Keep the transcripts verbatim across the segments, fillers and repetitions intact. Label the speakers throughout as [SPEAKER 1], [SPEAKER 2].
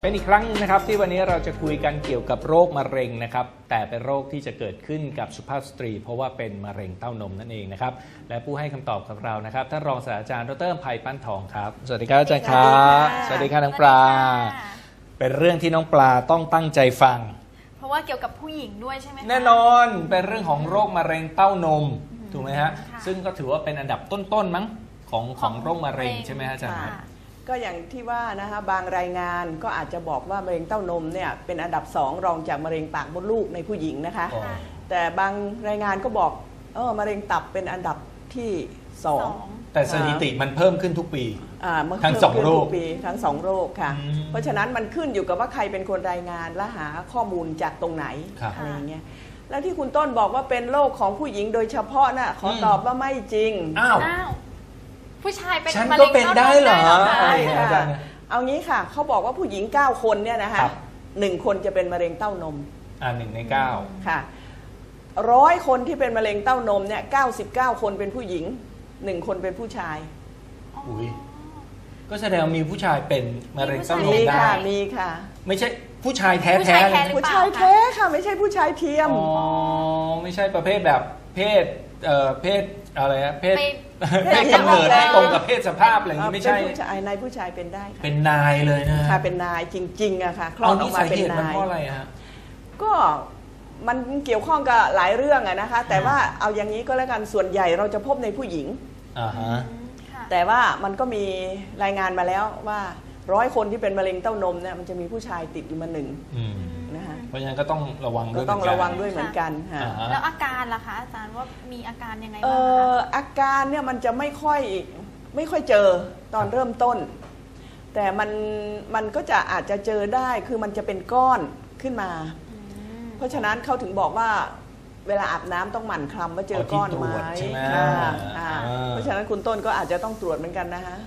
[SPEAKER 1] เป็นอีกครั้งนะครับที่วันนี้เราจะคุยกันเกี่ยวกับโรคมะเร็งนะครับแต่เป็นโรคที่จะเกิดขึ้นกับสุภาพสตรีเพราะว่าเป็นมะเร็งเต้านมนั่นเองนะครับและผู้ให้คำตอบกับเรานะครับท่านรองศาสตราจารย์ดร.ไพปั้นทองครับสวัสดีครับอาจารย์ครับสวัสดีค่ะน้องปลาเป็นเรื่องที่น้องปลาต้องตั้งใจฟัง
[SPEAKER 2] เพราะว่าเกี่ยวกับผู้หญิงด้วยใช่ไหมคะ
[SPEAKER 1] แน่นอนเป็นเรื่องของโรคมะเร็งเต้านมถูกไหมฮะซึ่งก็ถือว่าเป็นอันดับต้นๆมั้งของของโรคมะเร็งใช่ไหมอาจารย์
[SPEAKER 3] ก็อย่างที่ว่านะคะบางรายงานก็อาจจะบอกว่ามะเร็งเต้านมเนี่ยเป็นอันดับสองรองจากมะเร็งปากมดลูกในผู้หญิงนะคะแต่บางรายงานก็บอกเออมะเร็งตับเป็นอันดับที่สอง
[SPEAKER 1] แต่สถิติมันเพิ่มขึ้นทุกปี
[SPEAKER 3] ทั้งสองโรคทั้งสองโรคค่ะเพราะฉะนั้นมันขึ้นอยู่กับว่าใครเป็นคนรายงานและหาข้อมูลจากตรงไหนอะไรอย่างเงี้ยแล้วที่คุณต้นบอกว่าเป็นโรคของผู้หญิงโดยเฉพาะน่ะขอตอบว่าไม่จริง
[SPEAKER 1] อ้าว
[SPEAKER 2] ผู้ชายเป็น
[SPEAKER 1] มะเร็งเต้านมได้เหรอ
[SPEAKER 3] เอางี้ค่ะเขาบอกว่าผู้หญิงเก้าคนเนี่ยนะคะหนึ่งคนจะเป็นมะเร็งเต้านม
[SPEAKER 1] อ่าหนึ่งในเก้า
[SPEAKER 3] ค่ะร้อยคนที่เป็นมะเร็งเต้านมเนี่ยเก้าสิบเก้าคนเป็นผู้หญิงหนึ่งคนเป็นผู้ชาย
[SPEAKER 1] อุ้ยก็แสดงมีผู้ชายเป็นมะเร็งเต้านมได้
[SPEAKER 3] มีค่ะ
[SPEAKER 1] ไม่ใช่ผู้ชายแท้แท้
[SPEAKER 3] ผู้ชายแท้ค่ะไม่ใช่ผู้ชายเทียม
[SPEAKER 1] อ๋อไม่ใช่ประเภทแบบเพศเอ่อเพศอะไรนะเพศเพศกำเนิดไม่ตรงกับเพศสภาพอะไรอย่างนี้ไม่ใช่
[SPEAKER 3] ผู้ชายนายผู้ชายเป็นได้
[SPEAKER 1] เป็นนายเลยนะ
[SPEAKER 3] ค่ะเป็นนายจริงๆอะค่ะคลอดออกมาเป็นนาย
[SPEAKER 1] เพราะอะไรฮะ
[SPEAKER 3] ก็มันเกี่ยวข้องกับหลายเรื่องอะนะคะแต่ว่าเอาอย่างนี้ก็แล้วกันส่วนใหญ่เราจะพบในผู้หญิง
[SPEAKER 1] อ่าฮะ
[SPEAKER 3] แต่ว่ามันก็มีรายงานมาแล้วว่าร้อยคนที่เป็นมะเร็งเต้านมเนี่ยมันจะมีผู้ชายติดอยู่มาหนึ่งนะคะ
[SPEAKER 1] เพราะฉะนั้นก็ต้องระวังด้วย
[SPEAKER 3] ก็ต้องระวังด้วยเหมือนกันค่ะ
[SPEAKER 2] แล้วอาการล่ะคะอาจารย์ว่ามีอาการยังไงบ้าง
[SPEAKER 3] เอออาการเนี่ยมันจะไม่ค่อยไม่ค่อยเจอตอนเริ่มต้นแต่มันมันก็จะอาจจะเจอได้คือมันจะเป็นก้อนขึ้นมาเพราะฉะนั้นเขาถึงบอกว่าเวลาอาบน้ำต้องหมั่นคลำว่าเจอก้อนไหมเพราะฉะนั้นคุณต้นก็อาจจะต้องตรวจเหมือนกันนะคะ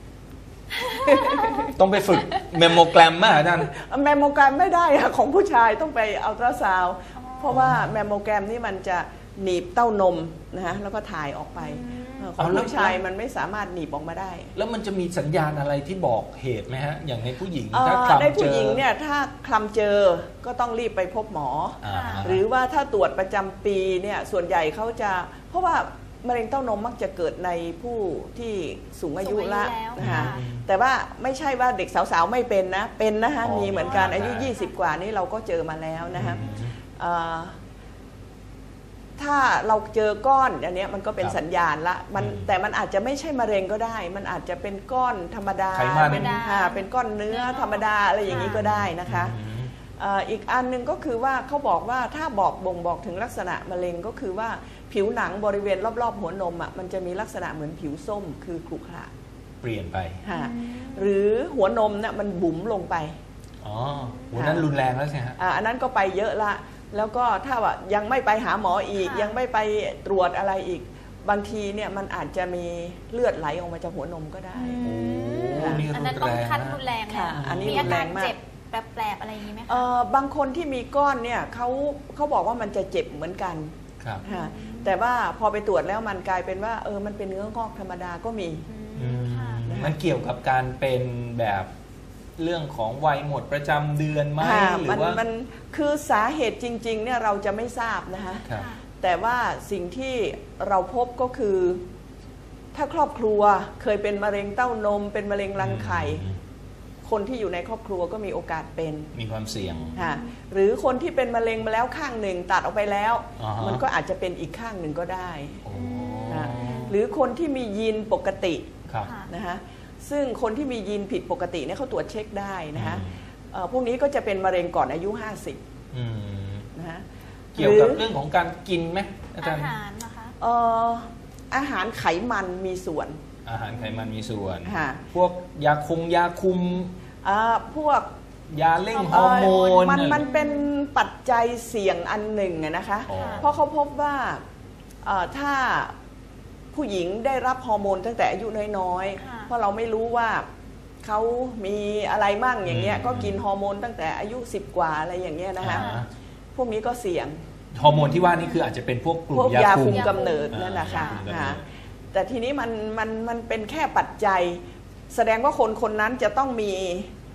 [SPEAKER 1] ต้องไปฝึกเมมโมแกรมมาอาจารย์
[SPEAKER 3] เมมโมแกรมไม่ได้ค่ะของผู้ชายต้องไปอัลตราซาวด์เพราะว่าเมมโมแกรมนี่มันจะหนีบเต้านมนะฮะแล้วก็ถ่ายออกไปของผู้ชายมันไม่สามารถหนีบออกมาได้
[SPEAKER 1] แล้วมันจะมีสัญญาณอะไรที่บอกเหตุไหมฮะอย่างในผู้หญิงถ้าคลำเจอ
[SPEAKER 3] ในผู้หญิงเนี่ยถ้าคลำเจอก็ต้องรีบไปพบหมอหรือว่าถ้าตรวจประจำปีเนี่ยส่วนใหญ่เขาจะเพราะว่ามะเร็งเต้านมมักจะเกิดในผู้ที่สูงอายุละนะคะแต่ว่าไม่ใช่ว่าเด็กสาวๆไม่เป็นนะเป็นนะคะมีเหมือนกันอายุยี่สิบกว่านี้เราก็เจอมาแล้วนะคะถ้าเราเจอก้อนอันนี้มันก็เป็นสัญญาณละมันแต่มันอาจจะไม่ใช่มะเร็งก็ได้มันอาจจะเป็นก้อนธรรมดาเป็นเป็นก้อนเนื้อธรรมดาอะไรอย่างนี้ก็ได้นะคะอีกอันนึงก็คือว่าเขาบอกว่าถ้าบอกบ่งบอกถึงลักษณะมะเร็งก็คือว่าผิวหนังบริเวณรอบๆหัวนมอ่ะมันจะมีลักษณะเหมือนผิวส้มคือขรุขระ
[SPEAKER 1] เปลี่ยนไป
[SPEAKER 3] หรือหัวนมเนี่ยมันบุ๋มลงไป
[SPEAKER 1] อ๋อหัวนั้นรุนแรงแล้วใช่ไหมฮะ
[SPEAKER 3] อันนั้นก็ไปเยอะละแล้วก็ถ้าว่ายังไม่ไปหาหมออีกยังไม่ไปตรวจอะไรอีกบางทีเนี่ยมันอาจจะมีเลือดไหลออกมาจากหัวนมก็ได้
[SPEAKER 2] อันนั้นต้องคัดรุนแรง
[SPEAKER 3] ค่ะอันนี้
[SPEAKER 2] มีอาการเจ็บแปลบๆอะไรอย่างนี้ไหมคะ
[SPEAKER 3] บางคนที่มีก้อนเนี่ยเขาเขาบอกว่ามันจะเจ็บเหมือนกันแต่ว่าพอไปตรวจแล้วมันกลายเป็นว่าเออมันเป็นเนื้องอกธรรมดาก็มี
[SPEAKER 1] มันเกี่ยวกับการเป็นแบบเรื่องของวัยหมดประจำเดือนไหมหรือว่า
[SPEAKER 3] มันคือสาเหตุจริงๆเนี่ยเราจะไม่ทราบนะคะแต่ว่าสิ่งที่เราพบก็คือถ้าครอบครัวเคยเป็นมะเร็งเต้านมเป็นมะเร็งรังไข่คนที่อยู่ในครอบครัวก็มีโอกาสเป็น
[SPEAKER 1] มีความเสี่ยง
[SPEAKER 3] หรือคนที่เป็นมะเร็งมาแล้วข้างหนึ่งตัดออกไปแล้วมันก็อาจจะเป็นอีกข้างหนึ่งก็ได้หรือคนที่มียีนปกตินะคะซึ่งคนที่มียีนผิดปกติเนี่ยเขาตรวจเช็คได้นะคะพวกนี้ก็จะเป็นมะเร็งก่อนอายุห้าสิบ
[SPEAKER 1] นะคะเกี่ยวกับเรื่องของการกินไหมอาจารย์
[SPEAKER 2] อาหารนะคะ
[SPEAKER 3] อาหารไขมันมีส่วน
[SPEAKER 1] อาหารไขมันมีส่วนพวกยาคุมยาคุม
[SPEAKER 3] พวก
[SPEAKER 1] ยาเร่งฮอร์โมน
[SPEAKER 3] มันมันเป็นปัจจัยเสี่ยงอันหนึ่งนะคะเพราะเขาพบว่าถ้าผู้หญิงได้รับฮอร์โมนตั้งแต่อายุน้อยๆเพราะเราไม่รู้ว่าเขามีอะไรมั่งอย่างเงี้ยก็กินฮอร์โมนตั้งแต่อายุสิบกว่าอะไรอย่างเงี้ยนะคะพวกนี้ก็เสี่ยง
[SPEAKER 1] ฮอร์โมนที่ว่านี่คืออาจจะเป็นพวกกลุ่ม
[SPEAKER 3] ยาคุมกำเนิดนั่นแหละค่ะแต่ทีนี้มันมันมันเป็นแค่ปัจจัยแสดงว่าคนคนนั้นจะต้องมี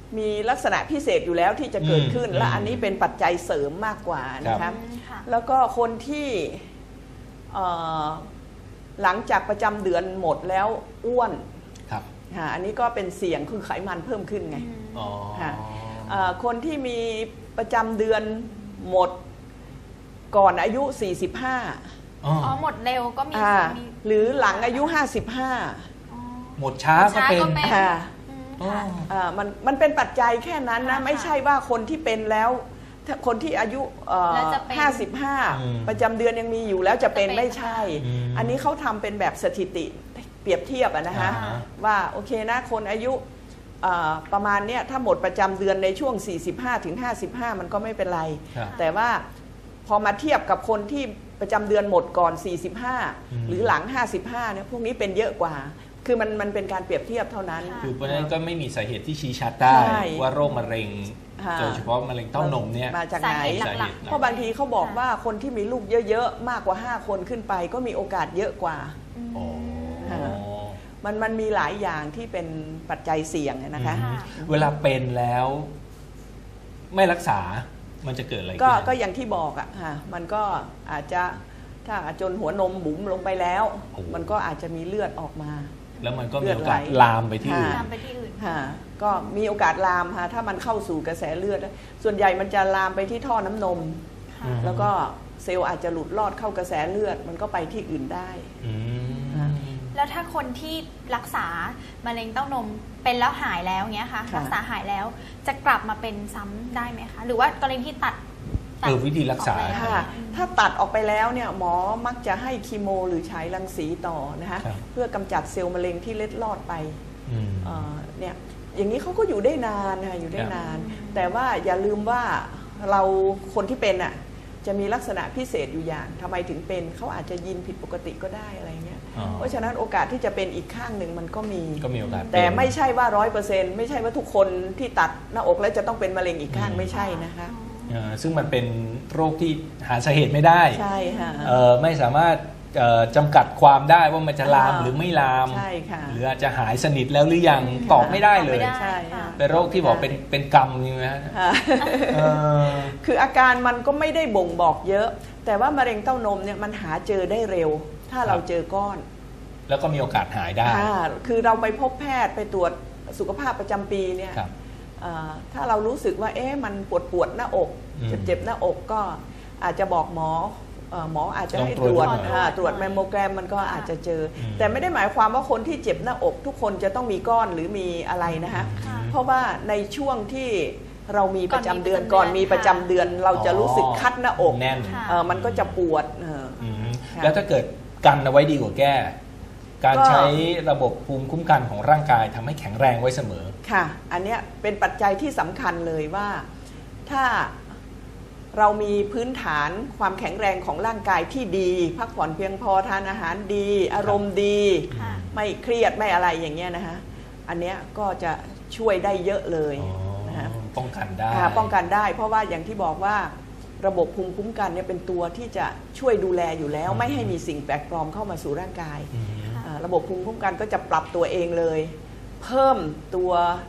[SPEAKER 3] มีลักษณะพิเศษอยู่แล้วที่จะเกิดขึ้น
[SPEAKER 1] อืม
[SPEAKER 3] และอันนี้เป็นปัจจัยเสริมมากกว่านะคะ
[SPEAKER 2] อืมค่ะ
[SPEAKER 3] แล้วก็คนที่เอ่อหลังจากประจำเดือนหมดแล้วอ้วน
[SPEAKER 1] ครับ
[SPEAKER 3] ค่ะอันนี้ก็เป็นเสี่ยงคือไขมันเพิ่มขึ้นไง
[SPEAKER 1] อ๋อ
[SPEAKER 3] ค่ะ เอ่อคนที่มีประจำเดือนหมดก่อนอายุ สี่สิบห้า
[SPEAKER 1] อ๋อ
[SPEAKER 2] อ๋อหมดเร็วก็มี
[SPEAKER 3] อ่า
[SPEAKER 2] มี
[SPEAKER 3] หรือหลังอายุ ห้าสิบห้า
[SPEAKER 2] อ๋อ
[SPEAKER 1] หมดช้าก็เป็น
[SPEAKER 2] ช้าก็เป็น
[SPEAKER 3] ค่ะ
[SPEAKER 2] อืม
[SPEAKER 1] อ๋อ
[SPEAKER 2] ค่ะ
[SPEAKER 3] อ่ามันมันเป็นปัจจัยแค่นั้นนะ
[SPEAKER 2] ค่ะ
[SPEAKER 3] ไม่ใช่ว่าคนที่เป็นแล้วถ้าคนที่อายุเอ่อ
[SPEAKER 2] แล้วจะเป็น
[SPEAKER 3] ห้าสิบห้า
[SPEAKER 1] อืม
[SPEAKER 3] ประจำเดือนยังมีอยู่แล้วจะเป็น
[SPEAKER 2] จะเป็น
[SPEAKER 3] ไม่ใช่
[SPEAKER 1] อืม
[SPEAKER 3] อันนี้เขาทำเป็นแบบสถิติเปรียบเทียบอะนะคะ
[SPEAKER 1] อ่าฮะ
[SPEAKER 3] ว่าโอเคนะคนอายุเอ่อประมาณเนี้ยถ้าหมดประจำเดือนในช่วง สี่สิบห้าถึงห้าสิบห้า มันก็ไม่เป็นไร
[SPEAKER 1] ครับ
[SPEAKER 3] แต่ว่าพอมาเทียบกับคนที่ประจำเดือนหมดก่อน สี่สิบห้า
[SPEAKER 1] อืม
[SPEAKER 3] หรือหลัง ห้าสิบห้าเนี่ยพวกนี้เป็นเยอะกว่า คือมันมันเป็นการเปรียบเทียบเท่านั้น
[SPEAKER 2] ค่ะ
[SPEAKER 1] คือเพราะฉะนั้นก็ไม่มีสาเหตุที่ชี้ชัดได้
[SPEAKER 3] ใช่
[SPEAKER 1] ว่าโรคมะเร็ง
[SPEAKER 3] ค่ะ
[SPEAKER 1] โดยเฉพาะมะเร็งเต้านมเนี่ย
[SPEAKER 3] มาจากไหน
[SPEAKER 2] สาเหตุหลัก
[SPEAKER 3] เพราะบางทีเขาบอกว่าคนที่มีลูกเยอะๆ มากกว่า ห้า คนขึ้นไปก็มีโอกาสเยอะกว่า
[SPEAKER 2] อืม
[SPEAKER 1] อ๋อ
[SPEAKER 3] ค่ะ มันมันมีหลายอย่างที่เป็นปัจจัยเสี่ยงนะคะ
[SPEAKER 1] อืม
[SPEAKER 2] ค่ะ
[SPEAKER 1] เวลาเป็นแล้วไม่รักษา มันจะเกิดอะไรขึ้น
[SPEAKER 3] ก็ก็อย่างที่บอกอะค่ะมันก็อาจจะถ้าจนหัวนมบุ๋มลงไปแล้ว
[SPEAKER 1] โอ้
[SPEAKER 3] มันก็อาจจะมีเลือดออกมา
[SPEAKER 1] แล้วมันก็มี
[SPEAKER 3] เลือด
[SPEAKER 1] โอกาส
[SPEAKER 3] ไหล
[SPEAKER 1] ลามไปที่อื่น
[SPEAKER 3] ค่ะ
[SPEAKER 2] ตามไปที่อื่น
[SPEAKER 3] ค่ะก็มีโอกาสลามค่ะถ้ามันเข้าสู่กระแสเลือด ส่วนใหญ่มันจะลามไปที่ท่อน้ำนม
[SPEAKER 2] ค่ะ
[SPEAKER 1] อืม
[SPEAKER 3] แล้วก็เซลล์อาจจะหลุดลอดเข้ากระแสเลือด มันก็ไปที่อื่นได้
[SPEAKER 1] อืม
[SPEAKER 3] ค่ะ
[SPEAKER 2] แล้วถ้าคนที่รักษามะเร็งเต้านมเป็นแล้วหายแล้วเงี้ยค่ะ
[SPEAKER 3] ค่ะ
[SPEAKER 2] รักษาหายแล้วจะกลับมาเป็นซ้ำได้ไหมคะ หรือว่ากรณีที่ตัดตัด
[SPEAKER 1] เออวิธีรักษา
[SPEAKER 2] ออแล้ว
[SPEAKER 3] ค่ะถ้าตัดออกไปแล้วเนี่ยหมอมักจะให้คีโมหรือฉายรังสีต่อนะคะ
[SPEAKER 1] ครับ
[SPEAKER 3] เพื่อกำจัดเซลล์มะเร็งที่เล็ดลอดไป
[SPEAKER 1] อืม
[SPEAKER 3] เอ่อเนี่ยอย่างนี้เขาก็อยู่ได้นานค่ะอยู่ได้
[SPEAKER 1] ครับ
[SPEAKER 3] นาน แต่ว่าอย่าลืมว่าเราคนที่เป็นอ่ะจะมีลักษณะพิเศษอยู่อย่างทำไมถึงเป็นเขาอาจจะยินผิดปกติก็ได้อะไรเงี้ย
[SPEAKER 1] อ๋อ
[SPEAKER 3] เพราะฉะนั้นโอกาสที่จะเป็นอีกข้างหนึ่งมันก็มี
[SPEAKER 1] ก็มีโอกาส
[SPEAKER 3] แต่
[SPEAKER 1] เป็น
[SPEAKER 3] ไม่ใช่ว่าร้อยเปอร์เซ็นต์ไม่ใช่ว่าทุกคนที่ตัดหน้าอกแล้วจะต้องเป็นมะเร็งอีกข้าง
[SPEAKER 1] อืม
[SPEAKER 3] ไม่ใช่นะคะ
[SPEAKER 1] เอ่อซึ่งมันเป็นโรคที่หาสาเหตุไม่ได้
[SPEAKER 3] ใช่ค่ะ
[SPEAKER 1] เอ่อไม่สามารถเอ่อจำกัดความได้ว่ามันจะลาม
[SPEAKER 3] อ่า
[SPEAKER 1] หรือไม่ลาม
[SPEAKER 3] ใช่ค่ะ
[SPEAKER 1] หรืออาจจะหายสนิทแล้วหรือยังตอบไม่ได้เลย
[SPEAKER 2] ตอบไม่ได้
[SPEAKER 3] ใช่ค่ะ
[SPEAKER 1] เป็นโรคที่บอกเป็นเป็นกรรมนี่ไหมฮะ
[SPEAKER 3] ค่ะ
[SPEAKER 1] เออ
[SPEAKER 3] คืออาการมันก็ไม่ได้บ่งบอกเยอะ แต่ว่ามะเร็งเต้านมเนี่ยมันหาเจอได้เร็ว ถ้าเราเจอก้อน
[SPEAKER 1] แล้วก็มีโอกาสหายได้
[SPEAKER 3] ค่ะคือเราไปพบแพทย์ไปตรวจสุขภาพประจำปีเนี่ย
[SPEAKER 1] ครับ
[SPEAKER 3] เอ่อถ้าเรารู้สึกว่าเอ๊ะมันปวดปวดๆหน้าอก
[SPEAKER 1] อืม
[SPEAKER 3] เจ็บเจ็บๆหน้าอกก็อาจจะบอกหมอเอ่อหมออาจจะให้
[SPEAKER 1] ลองตรวจ
[SPEAKER 3] ตรวจ
[SPEAKER 1] ดูหน่อย
[SPEAKER 3] อ่าตรวจแมมโมแกรมมันก็อาจจะเจออ
[SPEAKER 1] ม
[SPEAKER 3] แต่ไม่ได้หมายความว่าคนที่เจ็บหน้าอก ทุกคนจะต้องมีก้อนหรือมีอะไรนะคะ
[SPEAKER 2] ค่ะ
[SPEAKER 3] เพราะว่าในช่วงที่เรามีประจำเดือน
[SPEAKER 2] ก่
[SPEAKER 3] ก่
[SPEAKER 2] อ
[SPEAKER 3] อน น
[SPEAKER 2] มี
[SPEAKER 3] มี
[SPEAKER 2] ป
[SPEAKER 3] ประ ระ
[SPEAKER 2] จำ
[SPEAKER 3] จำ
[SPEAKER 2] เดื
[SPEAKER 3] เดื
[SPEAKER 2] อ
[SPEAKER 3] อน นเราจะรู้สึกคัดหน้าอก
[SPEAKER 1] แน่น
[SPEAKER 2] ค่ะ
[SPEAKER 3] เออมันก็จะปวดเออ
[SPEAKER 1] อืม
[SPEAKER 3] ค่ะ
[SPEAKER 1] แล้วถ้าเกิดกันเอาไว้ดีกว่าแก้ การ
[SPEAKER 3] ก็
[SPEAKER 1] ใช้ระบบภูมิคุ้มกันของร่างกายทำให้แข็งแรงไว้เสมอ
[SPEAKER 3] ค่ะ อันเนี้ยเป็นปัจจัยที่สำคัญเลยว่าถ้าเรามีพื้นฐานความแข็งแรงของร่างกายที่ดี พักผ่อนเพียงพอทานอาหารดี อารมณ์ดี
[SPEAKER 2] ค่ะ
[SPEAKER 3] ไม่เครียดไม่อะไรอย่างเงี้ยนะคะอันเนี้ยก็จะช่วยได้เยอะเลยนะคะ
[SPEAKER 1] ป้องกันได้
[SPEAKER 3] ค่ะป้องกันได้ เพราะว่าอย่างที่บอกว่าระบบภูมิคุ้มกันเนี่ยเป็นตัวที่จะช่วยดูแลอยู่แล้ว ไม่ให้มีสิ่งแปลกปลอมเข้ามาสู่ร่างกาย
[SPEAKER 1] อืม
[SPEAKER 3] อ่าระบบภูมิคุ้มกันก็จะปรับตัวเองเลย เพิ่มตัว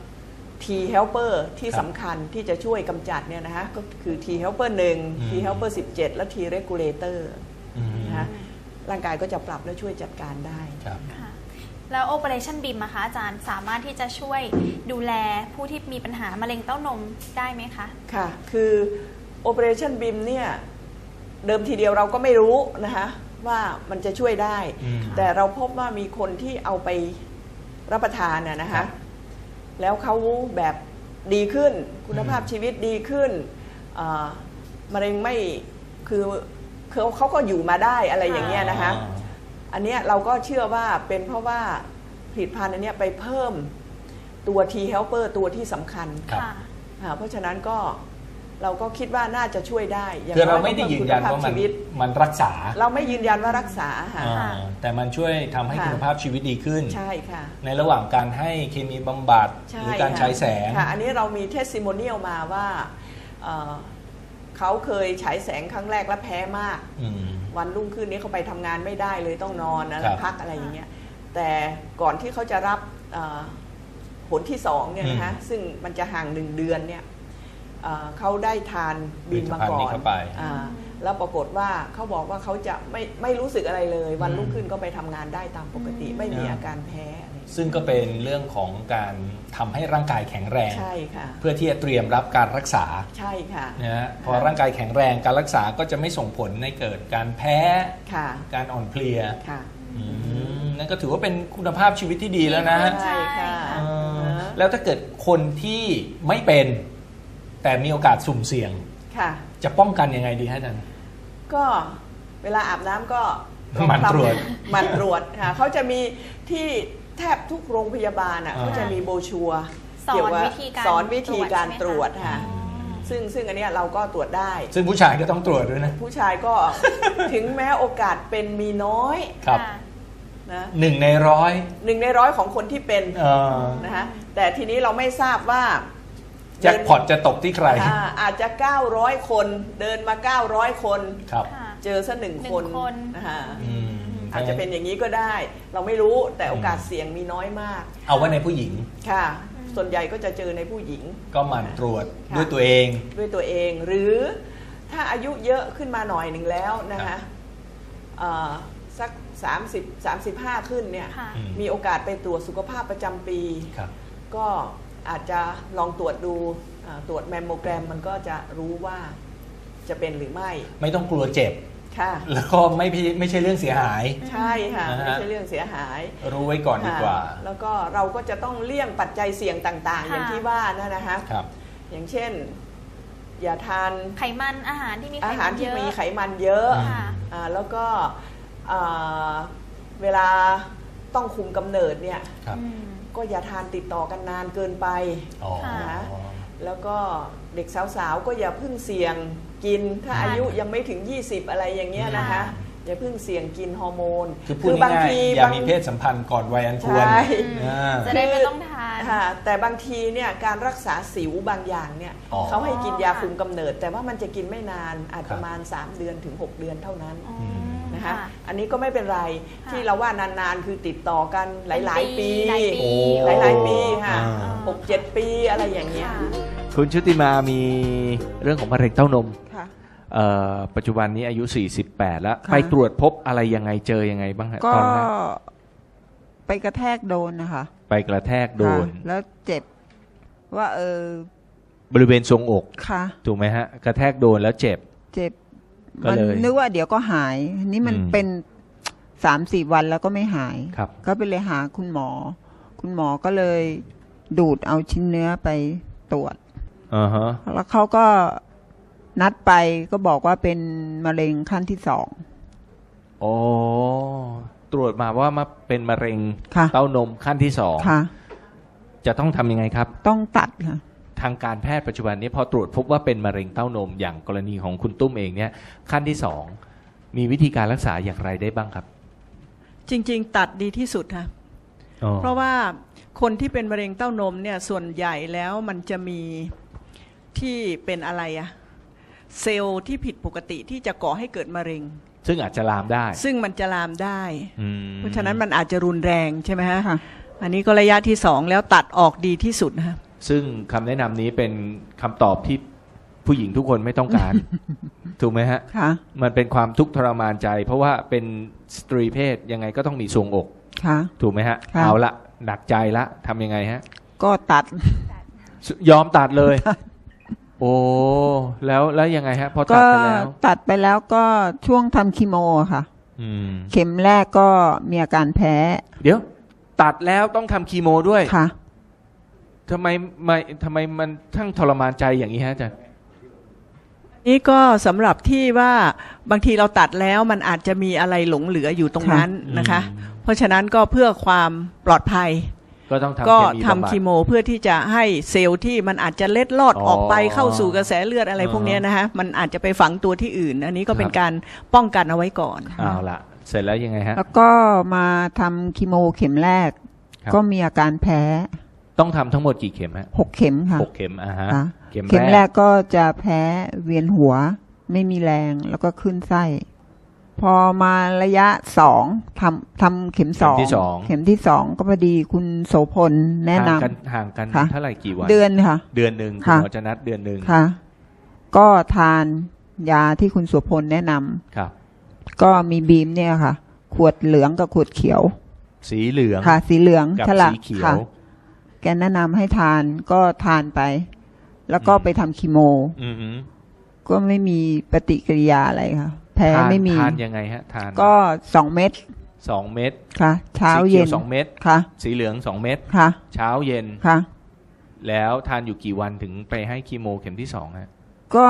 [SPEAKER 3] T helper ที่
[SPEAKER 1] ครับ
[SPEAKER 3] สำคัญที่จะช่วยกำจัดเนี่ยนะคะก็คือ T helper หนึ่ง
[SPEAKER 1] อืม
[SPEAKER 3] T helper สิบเจ็ด และ T regulator
[SPEAKER 1] อืม
[SPEAKER 3] นะคะร่างกายก็จะปรับและช่วยจัดการได้
[SPEAKER 1] ครับ
[SPEAKER 2] ค่ะแล้ว Operationบี เอ็ม อะคะอาจารย์สามารถที่จะช่วยดูแลผู้ที่มีปัญหามะเร็งเต้านมได้ไหมคะ
[SPEAKER 3] ค่ะ คือ Operationบี เอ็ม เนี่ยเดิมทีเดียวเราก็ไม่รู้นะคะว่ามันจะช่วยได้
[SPEAKER 1] อืม
[SPEAKER 3] แต่เราพบว่ามีคนที่เอาไปรับประทานน่ะนะ
[SPEAKER 1] ครั
[SPEAKER 3] คะ
[SPEAKER 1] บ
[SPEAKER 3] แล้วเขาแบบดีขึ้นคุณภาพชีวิตดีขึ้นอ่ามะเร็งไม่คือคือเขาก็อยู่มาได้อะไรอย่างเงี้ยนะคะ
[SPEAKER 1] อ่า
[SPEAKER 3] อันเนี้ยเราก็เชื่อว่าเป็นเพราะว่าผลิตภัณฑ์อันเนี้ยไปเพิ่มตัว T helper ตัวที่สำคัญ
[SPEAKER 1] ครับ
[SPEAKER 2] ค่ะ
[SPEAKER 3] อ่าเพราะฉะนั้นก็เราก็คิดว่าน่าจะช่วยได้ย่ง
[SPEAKER 1] คือเรา
[SPEAKER 3] ย
[SPEAKER 1] ไม่ได้ยืนยัน
[SPEAKER 3] ก็
[SPEAKER 1] ว่า
[SPEAKER 3] เพิ่
[SPEAKER 1] มัน
[SPEAKER 3] คุณภพชีวิต
[SPEAKER 1] มันรักษา
[SPEAKER 3] เราไม่ยืนยันว่ารักษาค่ะ
[SPEAKER 1] อ่าแต่มันช่วยทำให้
[SPEAKER 3] ค่ะ
[SPEAKER 1] คุณภาพชีวิตดีขึ้น
[SPEAKER 3] ใช่ค่ะ
[SPEAKER 1] ในระหว่างการให้เคมีบำบัด
[SPEAKER 3] ใช่
[SPEAKER 1] หรือการ
[SPEAKER 3] ค่ะ
[SPEAKER 1] ใช้แสง
[SPEAKER 3] ค่ะ อันนี้เรามีเทสซิโมเนียลมาว่าเอ่อเขาเคยฉายแสงครั้งแรกแล้วแพ้มาก
[SPEAKER 1] อืม
[SPEAKER 3] วันรุ่งขึ้นนี้เขาไปทำงานไม่ได้เลยต้องนอนนะ
[SPEAKER 1] ครั
[SPEAKER 3] แล้ว
[SPEAKER 1] บ
[SPEAKER 3] พักอะไรอย่างเงี้ยแต่ก่อนที่เขาจะรับเอ่อผลที่สองเนี่ยนะคะซึ่งมันจะห่างหนึ่งเดือนเนี่ยเอ่อเขาได้ทานบิมมาก่อนอ่าแล้วปรากฏว่าเขาบอกว่าเขาจะไม่ไม่รู้สึกอะไรเลย วันรุ่งขึ้นก็ไปทำงานได้ตามปกติไม่มีอาการแพ้อะไร
[SPEAKER 1] ซึ่งก็เป็นเรื่องของการทำให้ร่างกายแข็งแรง
[SPEAKER 3] ใช่ค่ะ
[SPEAKER 1] เพื่อที่จะเตรียมรับการรักษา
[SPEAKER 3] ใช่ค่ะ
[SPEAKER 1] นะฮะพอร่างกายแข็งแรงการรักษาก็จะไม่ส่งผลในเกิดการแพ้
[SPEAKER 3] ค่ะ
[SPEAKER 1] การอ่อนเพลีย
[SPEAKER 3] ค่ะ
[SPEAKER 1] อืมนั่นก็ถือว่าเป็นคุณภาพชีวิตที่ดีแล้วนะ
[SPEAKER 3] ใช่ค่ะ
[SPEAKER 1] เออแล้วถ้าเกิดคนที่ไม่เป็นแต่มีโอกาสสุ่มเสี่ยง
[SPEAKER 3] ค่ะ
[SPEAKER 1] จะป้องกันยังไงดีฮะอาจารย์
[SPEAKER 3] ก็เวลาอาบน้ำก็
[SPEAKER 1] หมั่นตรวจ
[SPEAKER 3] หมันตรวจค่ะเขาจะมีที่แทบทุกโรงพยาบาลอ่ะ
[SPEAKER 1] อ่า
[SPEAKER 3] เขาจะมีโบรชัวร์
[SPEAKER 2] สอน
[SPEAKER 3] เกี่ยวกับ
[SPEAKER 2] วิธีการ
[SPEAKER 3] สอนวิธีการต
[SPEAKER 2] ต
[SPEAKER 3] ร
[SPEAKER 2] ร
[SPEAKER 3] ว
[SPEAKER 2] ว
[SPEAKER 3] จ
[SPEAKER 2] จ
[SPEAKER 3] ค่ะ
[SPEAKER 2] ใช่ไหมคะ
[SPEAKER 3] ซึ่งซึ่งอันเนี้ยเราก็ตรวจได้
[SPEAKER 1] ซึ่งผู้ชายก็ต้องตรวจด้วยนะ
[SPEAKER 3] ผู้ชายก็ ถึงแม้โอกาสเป็นมีน้อย
[SPEAKER 1] ครับ
[SPEAKER 2] ค่ะ
[SPEAKER 3] นะ
[SPEAKER 1] หนึ่งในร้อย
[SPEAKER 3] หนึ่งในร้อยของคนที่เป็น
[SPEAKER 1] เออ
[SPEAKER 3] นะคะแต่ทีนี้เราไม่ทราบว่า
[SPEAKER 1] แจ็คพอตจะตกที่ใคร
[SPEAKER 3] อ่าอาจจะเก้าร้อยคนเดินมาเก้าร้อยคน
[SPEAKER 1] ครับ
[SPEAKER 2] ค่ะ
[SPEAKER 3] เจอสักหนึ่ง
[SPEAKER 2] หนึ่
[SPEAKER 3] ค
[SPEAKER 2] ง
[SPEAKER 3] น
[SPEAKER 2] คน
[SPEAKER 3] นะคะ
[SPEAKER 1] อืม
[SPEAKER 3] อาจจะเป็นอย่างนี้ก็ได้ เราไม่รู้แต่โอกาสเสี่ยงมีน้อยมาก
[SPEAKER 1] เอาไว้ในผู้หญิง
[SPEAKER 3] ค่ะ ส่วนใหญ่ก็จะเจอในผู้หญิง
[SPEAKER 1] ก็หมั่นตรวจ
[SPEAKER 3] ค่ะ
[SPEAKER 1] ด้วยตัวเอง
[SPEAKER 3] ด้วยตัวเอง หรือถ้าอายุเยอะขึ้นมาหน่อยหนึ่งแล้วนะ
[SPEAKER 1] ครั
[SPEAKER 3] คะ
[SPEAKER 1] บ
[SPEAKER 3] เอ่อสักสามสิบ สามสิบห้าขึ้นเนี่ย
[SPEAKER 2] ค่ะ
[SPEAKER 1] อืม
[SPEAKER 3] มีโอกาสไปตรวจสุขภาพประจำปี
[SPEAKER 1] ครับ
[SPEAKER 3] ก็อาจจะลองตรวจดูอ่าตรวจแมมโมแกรมมันก็จะรู้ว่าจะเป็นหรือไม่
[SPEAKER 1] ไม่ต้องกลัวเจ็บ
[SPEAKER 3] ค่ะ
[SPEAKER 1] แล้วก็ไม่พี่ไม่ใช่เรื่องเสียหาย
[SPEAKER 3] ใช่ค่ะ
[SPEAKER 1] นะฮะ
[SPEAKER 3] ไม่ใช่เรื่องเสียหาย
[SPEAKER 1] รู้ไว้ก่อนดีกว่า
[SPEAKER 3] ค่ะแล้วก็เราก็จะต้องเลี่ยงปัจจัยเสี่ยงต่างๆ
[SPEAKER 2] ค่ะ
[SPEAKER 3] อย่างที่ว่านะนะคะ
[SPEAKER 1] ครับ
[SPEAKER 3] อย่างเช่น อย่าทาน
[SPEAKER 2] ไขมันอาหารที่มีไข
[SPEAKER 3] อาหา
[SPEAKER 2] มั
[SPEAKER 3] ร
[SPEAKER 2] น
[SPEAKER 3] ที่
[SPEAKER 2] เยอะ
[SPEAKER 3] มีไขมันเยอะ
[SPEAKER 2] ค่ะ
[SPEAKER 3] อ่าแล้วก็อ่าเวลาต้องคุมกำเนิดเนี่ย
[SPEAKER 1] ครับ
[SPEAKER 2] อืม
[SPEAKER 3] ก็อย่าทานติดต่อกันนานเกินไป
[SPEAKER 1] อ๋อ
[SPEAKER 3] ค่ะ แล้วก็เด็กสาวๆ ก็อย่าเพิ่งเสี่ยงกิน ถ้า
[SPEAKER 2] ค่ะ
[SPEAKER 3] อายุยังไม่ถึง ยี่สิบ อะไรอย่างเงี้ยนะคะ
[SPEAKER 2] ค่ะ
[SPEAKER 3] อย่าเพิ่งเสี่ยงกินฮอร์โมน
[SPEAKER 1] คือพูดง่ายๆอย่ามีเพศสัมพันธ์ก่อนวัยอันควร
[SPEAKER 3] ใช่
[SPEAKER 1] อ่า
[SPEAKER 2] จะได้ไม่ต้องทาน
[SPEAKER 3] ค่ะแต่บางทีเนี่ยการรักษาสิวบางอย่างเนี่ย
[SPEAKER 1] อ๋อ
[SPEAKER 3] เขาให้กินยาคุมกำเนิด แต่ว่ามันจะกินไม่นานอาจ
[SPEAKER 1] ครับ
[SPEAKER 3] ประมาณ สาม เดือนถึง หก เดือนเท่านั้น
[SPEAKER 2] อ๋อ
[SPEAKER 3] นะคะ
[SPEAKER 2] ค่ะ
[SPEAKER 3] อันนี้ก็ไม่เป็นไร
[SPEAKER 2] ค่ะ
[SPEAKER 3] ที่เราว่านานๆ คือติดต่อกันหลายๆ ปี
[SPEAKER 2] หลายปี
[SPEAKER 1] โอ้
[SPEAKER 3] หลายๆปีค่ะ
[SPEAKER 1] อ่า
[SPEAKER 3] หกเจ็ดปีอะไรอย่างเงี้ย
[SPEAKER 2] ค่ะ
[SPEAKER 1] คุณชุติมามีเรื่องของมะเร็งเต้านม
[SPEAKER 4] ค่ะ
[SPEAKER 1] เอ่อปัจจุบันนี้อายุ สี่สิบแปด แล้ว
[SPEAKER 4] ค่ะ
[SPEAKER 1] ไปตรวจพบอะไรยังไงเจอยังไงบ้างฮะ
[SPEAKER 4] ก็
[SPEAKER 1] ตอนแรก
[SPEAKER 4] ไปกระแทกโดนนะคะ
[SPEAKER 1] ไปกระแทกโดน
[SPEAKER 4] ค่ะแล้วเจ็บ ว่าเออบ
[SPEAKER 1] ริเวณทรวงอก
[SPEAKER 4] ค่ะ
[SPEAKER 1] ถูกไหมฮะ กระแทกโดนแล้วเจ็บ
[SPEAKER 4] เจ็บ
[SPEAKER 1] ก็
[SPEAKER 4] มัน
[SPEAKER 1] เลย
[SPEAKER 4] นึกว่าเดี๋ยวก็หาย นี่มัน
[SPEAKER 1] อืม
[SPEAKER 4] เป็นสามสี่วันแล้วก็ไม่หาย
[SPEAKER 1] ครับ
[SPEAKER 4] ก็ไปเลยหาคุณหมอ คุณหมอก็เลยดูดเอาชิ้นเนื้อไปตรวจ
[SPEAKER 1] อ่าฮะ
[SPEAKER 4] แล้วเขาก็นัดไปก็บอกว่าเป็นมะเร็งขั้นที่สอง
[SPEAKER 1] โอ้ตรวจมาว่ามาเป็นมะเร็ง
[SPEAKER 4] ค่ะ
[SPEAKER 1] เต้านมขั้นที่สอง
[SPEAKER 4] ค่ะ
[SPEAKER 1] จะต้องทำยังไงครับ
[SPEAKER 4] ต้องตัดค่ะ
[SPEAKER 1] ทางการแพทย์ปัจจุบันนี้พอตรวจพบว่าเป็นมะเร็งเต้านมอย่างกรณีของคุณตุ้มเองเนี่ยขั้นที่สองมีวิธีการรักษาอย่างไรได้บ้างครับ
[SPEAKER 5] จริงๆ ตัดดีที่สุดค่ะ
[SPEAKER 1] อ๋อ
[SPEAKER 5] เพราะว่าคนที่เป็นมะเร็งเต้านมเนี่ยส่วนใหญ่แล้วมันจะมีที่เป็นอะไรอะเซลล์ที่ผิดปกติที่จะก่อให้เกิดมะเร็ง
[SPEAKER 1] ซึ่งอาจจะลามได้
[SPEAKER 5] ซึ่งมันจะลามได้
[SPEAKER 1] อืม
[SPEAKER 5] เพราะฉะนั้นมันอาจจะรุนแรงใช่ไหมฮะ
[SPEAKER 4] ค่ะ
[SPEAKER 5] อันนี้ก็ระยะที่สองแล้วตัดออกดีที่สุดนะคะ
[SPEAKER 1] ซึ่งคำแนะนำนี้เป็นคำตอบที่ผู้หญิงทุกคนไม่ต้องการ ถูกไหมฮะ
[SPEAKER 4] ค่ะ
[SPEAKER 1] มันเป็นความทุกข์ทรมานใจ เพราะว่าเป็นสตรีเพศยังไงก็ต้องมีทรวงอก
[SPEAKER 4] ค่ะ
[SPEAKER 1] ถูกไหมฮะ
[SPEAKER 4] ค่ะ
[SPEAKER 1] เอาละหนักใจละทำยังไงฮะ
[SPEAKER 4] ก็ตัด
[SPEAKER 1] ยอมตัดเลย โอ้แล้วแล้วยังไงฮะพอตั
[SPEAKER 4] ก็
[SPEAKER 1] ดไปแล้ว
[SPEAKER 4] ตัดไปแล้วก็ช่วงทำคีโมอะค่ะ
[SPEAKER 1] อืม
[SPEAKER 4] เข็มแรกก็มีอาการแพ้
[SPEAKER 1] เดี๋ยว ตัดแล้วต้องทำคีโมด้วย
[SPEAKER 4] ค่ะ
[SPEAKER 1] ทำไมไม่ทำไมมันทั้งทรมานใจอย่างนี้ฮะอาจารย์
[SPEAKER 5] นี่ก็สำหรับที่ว่าบางทีเราตัดแล้วมันอาจจะมีอะไรหลงเหลืออยู่ตรงนั้น
[SPEAKER 1] ค่ะ
[SPEAKER 5] นะคะ
[SPEAKER 1] อืม
[SPEAKER 5] เพราะฉะนั้นก็เพื่อความปลอดภัย
[SPEAKER 1] ก็ต้องทำ
[SPEAKER 5] ก็
[SPEAKER 1] เคมี
[SPEAKER 5] ทำ
[SPEAKER 1] บำบัด
[SPEAKER 5] คีโมเพื่อที่จะให้เซลล์ที่มันอาจจะเล็ดลอด
[SPEAKER 1] อ๋อ
[SPEAKER 5] ออกไปเข้าสู่กระแสเลือดอะไรพวกเนี้ยนะฮะมันอาจจะไปฝังตัวที่อื่น อันนี้ก็เป็
[SPEAKER 1] คน รับ
[SPEAKER 5] การป้องกันเอาไว้ก่อน
[SPEAKER 1] เอาละเสร็จแล้วยังไงฮะ
[SPEAKER 4] แล้วก็มาทำคีโมเข็มแรก
[SPEAKER 1] ครับ
[SPEAKER 4] ก็มีอาการแพ้
[SPEAKER 1] ต้องทำทั้งหมดกี่เข็มฮะ
[SPEAKER 4] หกเข็มค่ะ
[SPEAKER 1] หกเข็มอ่าฮะ
[SPEAKER 4] ค่ะ
[SPEAKER 1] เข็ม
[SPEAKER 4] เข็ม
[SPEAKER 1] แร
[SPEAKER 4] แร
[SPEAKER 1] ก
[SPEAKER 4] กก็จะแพ้เวียนหัว ไม่มีแรงแล้วก็ขึ้นไส้
[SPEAKER 1] โ
[SPEAKER 4] พอมาระยะสองทำทำเข็มสอง
[SPEAKER 1] เข็มที่สอง
[SPEAKER 4] เข็มที่สองก็พอดีคุณโสพลแนะน
[SPEAKER 1] ห่างกันห่างกัน
[SPEAKER 4] ค่ะ
[SPEAKER 1] เท่าไหร่กี่วัน
[SPEAKER 4] ำเดือนค่ะ
[SPEAKER 1] เดือนหนึ่งคุณ
[SPEAKER 4] ค่ะ
[SPEAKER 1] หมอจะนัดเดือนหนึ่ง
[SPEAKER 4] ค่ะ ก็ทานยาที่คุณโสพลแนะนำ
[SPEAKER 1] ครับ
[SPEAKER 4] ก็มีบีมเนี่ยค่ะ ขวดเหลืองกับขวดเขียว
[SPEAKER 1] สีเหลือง
[SPEAKER 4] ค่ะ สีเหลือง
[SPEAKER 1] กับ
[SPEAKER 4] ฉลาก
[SPEAKER 1] สีเขียว
[SPEAKER 4] ค่ะ แกแนะนำให้ทานก็ทานไป แล้วก็
[SPEAKER 1] อืม
[SPEAKER 4] ไปทำคีโม
[SPEAKER 1] อือหือ
[SPEAKER 4] ก็ไม่มีปฏิกิริยาอะไรค่ะ แพ้
[SPEAKER 1] ทาน
[SPEAKER 4] ไม่มี
[SPEAKER 1] ทานยังไงฮะทาน
[SPEAKER 4] ก็สองเม็ด
[SPEAKER 1] สองเม็ด
[SPEAKER 4] ค่ะ เช้า
[SPEAKER 1] สีขี
[SPEAKER 4] เย็
[SPEAKER 1] วน สองเม็ด
[SPEAKER 4] ค่ะ
[SPEAKER 1] สีเหลืองสองเม็ด
[SPEAKER 4] ค่ะ
[SPEAKER 1] เช้าเย็น
[SPEAKER 4] ค่ะ
[SPEAKER 1] แล้วทานอยู่กี่วันถึงไปให้คีโมเข็มที่สองฮะ
[SPEAKER 4] ก็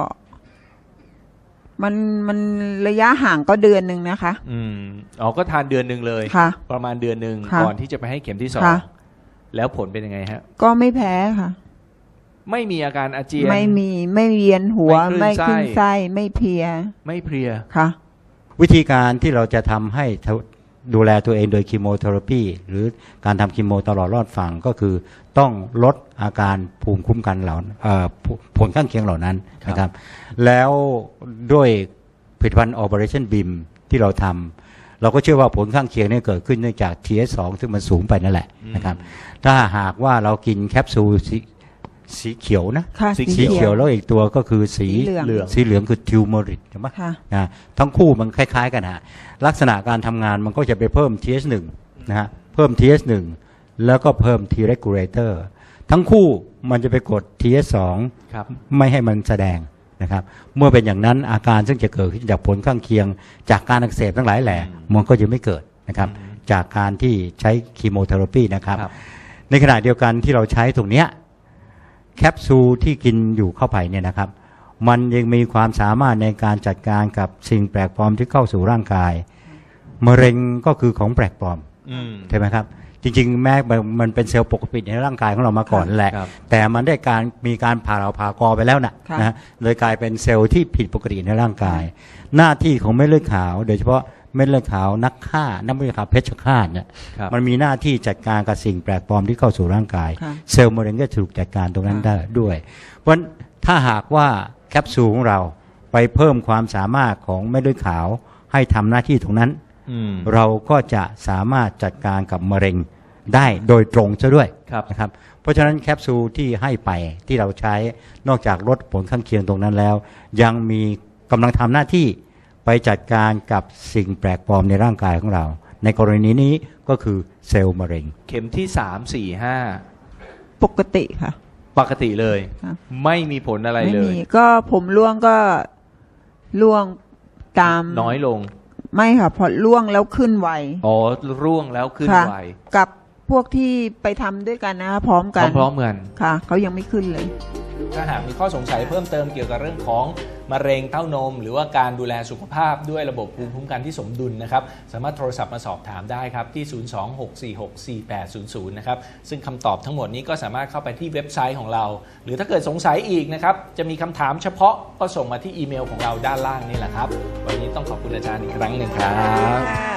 [SPEAKER 4] มันมันระยะห่างก็เดือนหนึ่งนะคะ
[SPEAKER 1] อืมอ๋อก็ทานเดือนหนึ่งเลย
[SPEAKER 4] ค่ะ
[SPEAKER 1] ประมาณเดือนหนึ่ง
[SPEAKER 4] ค่ะ
[SPEAKER 1] ก่อนที่จะไปให้เข็มที่สอง
[SPEAKER 4] ค่ะ
[SPEAKER 1] แล้วผลเป็นยังไงฮะ
[SPEAKER 4] ก็ไม่แพ้ค่ะ
[SPEAKER 1] ไม่มีอาการอาเจียน
[SPEAKER 4] ไม่มีไม่เวียนหัว
[SPEAKER 1] ไม่
[SPEAKER 4] ไม่
[SPEAKER 1] คลื่
[SPEAKER 4] ขึ้
[SPEAKER 1] น
[SPEAKER 4] น
[SPEAKER 1] ไส้
[SPEAKER 4] ไส้ไม่เพลีย
[SPEAKER 1] ไม่เพลีย
[SPEAKER 4] ค่ะ
[SPEAKER 6] วิธีการที่เราจะทำให้ดูแลตัวเองโดยคีโมเทอราปีหรือการทำคีโมตลอดรอดฝั่งก็คือต้องลดอาการภูมิคุ้มกันเหล่าเอ่อผลข้างเคียงเหล่านั้นนะครับ แล้วด้วยผลิตภัณฑ์ Operation บี เอ เอ็ม ที่เราทำเราก็เชื่อว่าผลข้างเคียงนี้เกิดขึ้นเนื่องจาก ที เอส สอง ซึ่งมันสูงไปนั่นแหละนะครับถ้าหากว่าเรากินแคปซูลสีสีเขียวนะ
[SPEAKER 4] ค่ะ
[SPEAKER 1] สี
[SPEAKER 6] สีเขียวแล้วอีกตัวก็คือสี
[SPEAKER 4] สีเหลือง
[SPEAKER 6] สีเหลืองคือทิวเมอริกใช่ไหม
[SPEAKER 4] ค่ะ
[SPEAKER 6] นะทั้งคู่มันคล้ายๆกันฮะลักษณะการทำงานมันก็จะไปเพิ่ม ที เอส หนึ่ง นะฮะเพิ่ม ที เอส หนึ่ง แล้วก็เพิ่ม T regulator ทั้งคู่มันจะไปกด ที เอส สอง
[SPEAKER 1] ครับ
[SPEAKER 6] ไม่ให้มันแสดงนะครับเมื่อเป็นอย่างนั้นอาการซึ่งจะเกิดขึ้นจากผลข้างเคียง จากการอักเสบทั้งหลายแหล่มันก็จะไม่เกิดนะครับจากการที่ใช้คีโมเทอราปีนะครับ
[SPEAKER 1] ครับ
[SPEAKER 6] ในขณะเดียวกันที่เราใช้ตรงเนี้ยแคปซูลที่กินอยู่เข้าไปเนี่ยนะครับมันยังมีความสามารถในการจัดการกับสิ่งแปลกปลอมที่เข้าสู่ร่างกายมะเร็งก็คือของแปลกปลอม
[SPEAKER 1] อืม
[SPEAKER 6] ใช่ไหมครับจริงๆแม้มันเป็นเซลล์ปกติในร่างกายของเรามาก่อนแหละ
[SPEAKER 1] ครับ
[SPEAKER 6] แต่มันได้การมีการผ่าเราผ่ากอไปแล้วนะ
[SPEAKER 4] ค่ะ
[SPEAKER 6] นะเลยกลายเป็นเซลล์ที่ผิดปกติในร่างกาย หน้าที่ของเม็ดเลือดขาว โดยเฉพาะเม็ดเลือดขาวนักฆ่านักเลือดขาวเพชฌฆาตเนี่ย
[SPEAKER 1] ครับ
[SPEAKER 6] มันมีหน้าที่จัดการกับสิ่งแปลกปลอมที่เข้าสู่ร่างกาย
[SPEAKER 4] ค่ะ
[SPEAKER 6] เซลล์มะเร็งก็ถูกจัดการตรงนั้น
[SPEAKER 4] ค่ะ
[SPEAKER 6] ได้ด้วย เพราะฉะนั้นถ้าหากว่าแคปซูลของเราไปเพิ่มความสามารถของเม็ดเลือดขาวให้ทำหน้าที่ตรงนั้น
[SPEAKER 1] อืม
[SPEAKER 6] เราก็จะสามารถจัดการกับมะเร็งได้โดยตรงซะด้วย
[SPEAKER 1] ครับ
[SPEAKER 6] นะครับเพราะฉะนั้นแคปซูลที่ให้ไปที่เราใช้นอกจากลดผลข้างเคียงตรงนั้นแล้ว ยังมีกำลังทำหน้าที่ไปจัดการกับสิ่งแปลกปลอมในร่างกายของเรา ในกรณีนี้ก็คือเซลล์มะเร็ง
[SPEAKER 1] เข็มที่สามสี่ห้า
[SPEAKER 4] ปกติค่ะ
[SPEAKER 1] ปกติเลย
[SPEAKER 4] ครับ
[SPEAKER 1] ไม่มีผลอะไร
[SPEAKER 4] ไม่
[SPEAKER 1] เล
[SPEAKER 4] มี
[SPEAKER 1] ย
[SPEAKER 4] ก็ผมร่วงก็ร่วงตาม
[SPEAKER 1] น้อยลง
[SPEAKER 4] ไม่ค่ะพอร่วงแล้วขึ้นไว
[SPEAKER 1] อ๋อร่วงแล้วขึ้น
[SPEAKER 4] ค่ะ
[SPEAKER 1] ไว
[SPEAKER 4] กับพวกที่ไปทำด้วยกันนะคะพร้อมกัน
[SPEAKER 1] พร้อมๆกัน
[SPEAKER 4] ค่ะเขายังไม่ขึ้นเลย
[SPEAKER 1] ถ้าหากมีข้อสงสัยเพิ่มเติมเกี่ยวกับเรื่องของมะเร็งเต้านม หรือว่าการดูแลสุขภาพด้วยระบบภูมิคุ้มกันที่สมดุลนะครับสามารถโทรศัพท์มาสอบถามได้ครับที่ ศูนย์ สอง หก สี่ หก สี่ แปด ศูนย์ ศูนย์ นะครับซึ่งคำตอบทั้งหมดนี้ก็สามารถเข้าไปที่เว็บไซต์ของเรา หรือถ้าเกิดสงสัยอีกนะครับจะมีคำถามเฉพาะก็ส่งมาที่อีเมลของเราด้านล่างนี่แหละครับวันนี้ต้องขอบคุณอาจารย์อีกครั้งหนึ่งครับ
[SPEAKER 2] ค่ะ